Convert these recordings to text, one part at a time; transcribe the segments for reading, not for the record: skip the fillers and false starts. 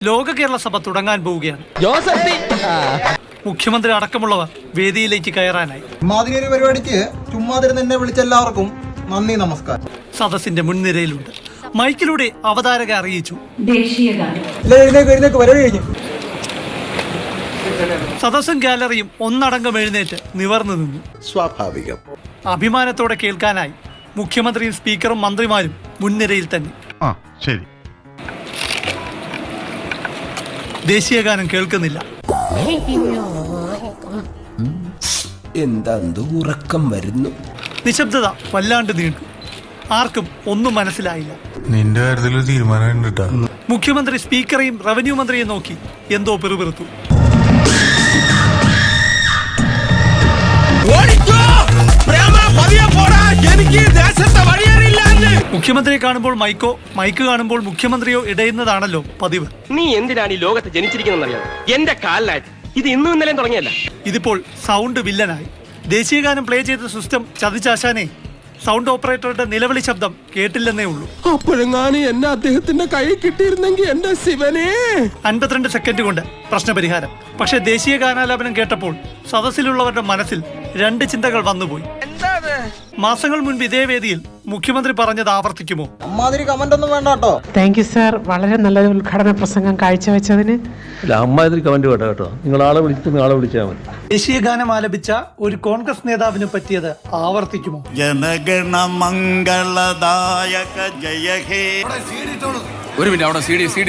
ലോക കേരള സഭ തുടങ്ങാൻ പോവുകയാണ്. മുഖ്യമന്ത്രി അടക്കമുള്ളവർ വേദിയിലേക്ക് കയറാനായി. മാതിരി പരിപാടിക്ക് ചുമ്മാതിരുന്ന് എന്നെ വിളിച്ച എല്ലാവർക്കും നന്ദി, നമസ്കാരം. സദസ്സിന്റെ മുൻനിരയിലുണ്ട്. മൈക്കിലൂടെ അവതാരക അറിയിച്ചു. സദസ്സും ഗാലറിയും ഒന്നടങ്കം എഴുന്നേറ്റ് നിവർന്നു നിന്നു. സ്വാഭാവികം. അഭിമാനത്തോടെ കേൾക്കാനായി മുഖ്യമന്ത്രിയും സ്പീക്കറും മന്ത്രിമാരും മുൻനിരയിൽ തന്നെ. ശരി. ദേശീയഗാനം കേൾക്കുന്നില്ല. എന്താ ഉറക്കം വരുന്നു. നിശബ്ദത വല്ലാണ്ട് നീണ്ടു. ആർക്കും ഒന്നും മനസ്സിലായില്ല. നിന്റെ കാര്യത്തിൽ തീരുമാനം. മുഖ്യമന്ത്രി സ്പീക്കറെയും റവന്യൂ മന്ത്രിയെ നോക്കി എന്തോ പിറുപിറുത്തു. മുഖ്യമന്ത്രിയെ കാണുമ്പോൾ മൈക്കോ, മൈക്ക് കാണുമ്പോൾ മുഖ്യമന്ത്രിയോ ഇടയുന്നതാണല്ലോ പതിവ്. നീ എന്തിനാണ് ഈ ലോകത്ത് ജനിച്ചിരിക്കുന്നറിയാം? എന്റെ കാലിലായിട്ട് ഇത് ഇന്നും ഇന്നലെയും തുടങ്ങിയല്ല. ഇതിപ്പോൾ സൗണ്ട് വില്ലനായി. ദേശീയഗാനം പ്ലേ ചെയ്ത സിസ്റ്റം ചതിച്ചാശാനെ. സൗണ്ട് ഓപ്പറേറ്ററുടെ നിലവിളി ശബ്ദം കേട്ടില്ലെന്നേ ഉള്ളൂ. അപ്പോഴെങ്ങാനും എന്നെ അദ്ദേഹത്തിന്റെ കൈ കിട്ടിയിരുന്നെങ്കിൽ എന്റെ ശിവനെ. 52 സെക്കൻഡ് കൊണ്ട് പ്രശ്നപരിഹാരം. പക്ഷെ ദേശീയ ഗാനാലാപനം കേട്ടപ്പോൾ സദസ്സിലുള്ളവരുടെ മനസ്സിൽ 2 ചിന്തകൾ വന്നുപോയി. മാസങ്ങൾ മുൻപ് ഇതേ വേദിയിൽ മുഖ്യമന്ത്രി പറഞ്ഞത് ആവർത്തിക്കുമോ? അമ്മാതിരി കമന്റ് ഒന്നും വേണ്ട കേട്ടോ. താങ്ക് യു സാർ, വളരെ നല്ലൊരു ഉദ്ഘാടന പ്രസംഗം കാഴ്ചവെച്ചതിന്. അമ്മാതിരി കമന്റ് വേണ്ട കേട്ടോ. നിങ്ങൾ ആളെ വിളിച്ചാൽ മതി. ദേശീയ ഗാനം ആലപിച്ച ഒരു കോൺഗ്രസ് നേതാവിന് പറ്റിയത് ആവർത്തിക്കുമോ? ജനഗണ മംഗളദായക ജയ ഹേ. ഒരു മിനിറ്റ്, അവിടെ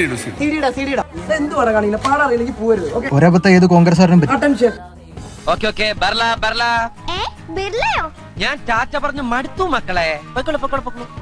ഒരബദ്ധം ഏത് കോൺഗ്രസ്സുകാരനും പറ്റും. ഞാൻ ടാറ്റ പറഞ്ഞു മടുത്തു മക്കളെ.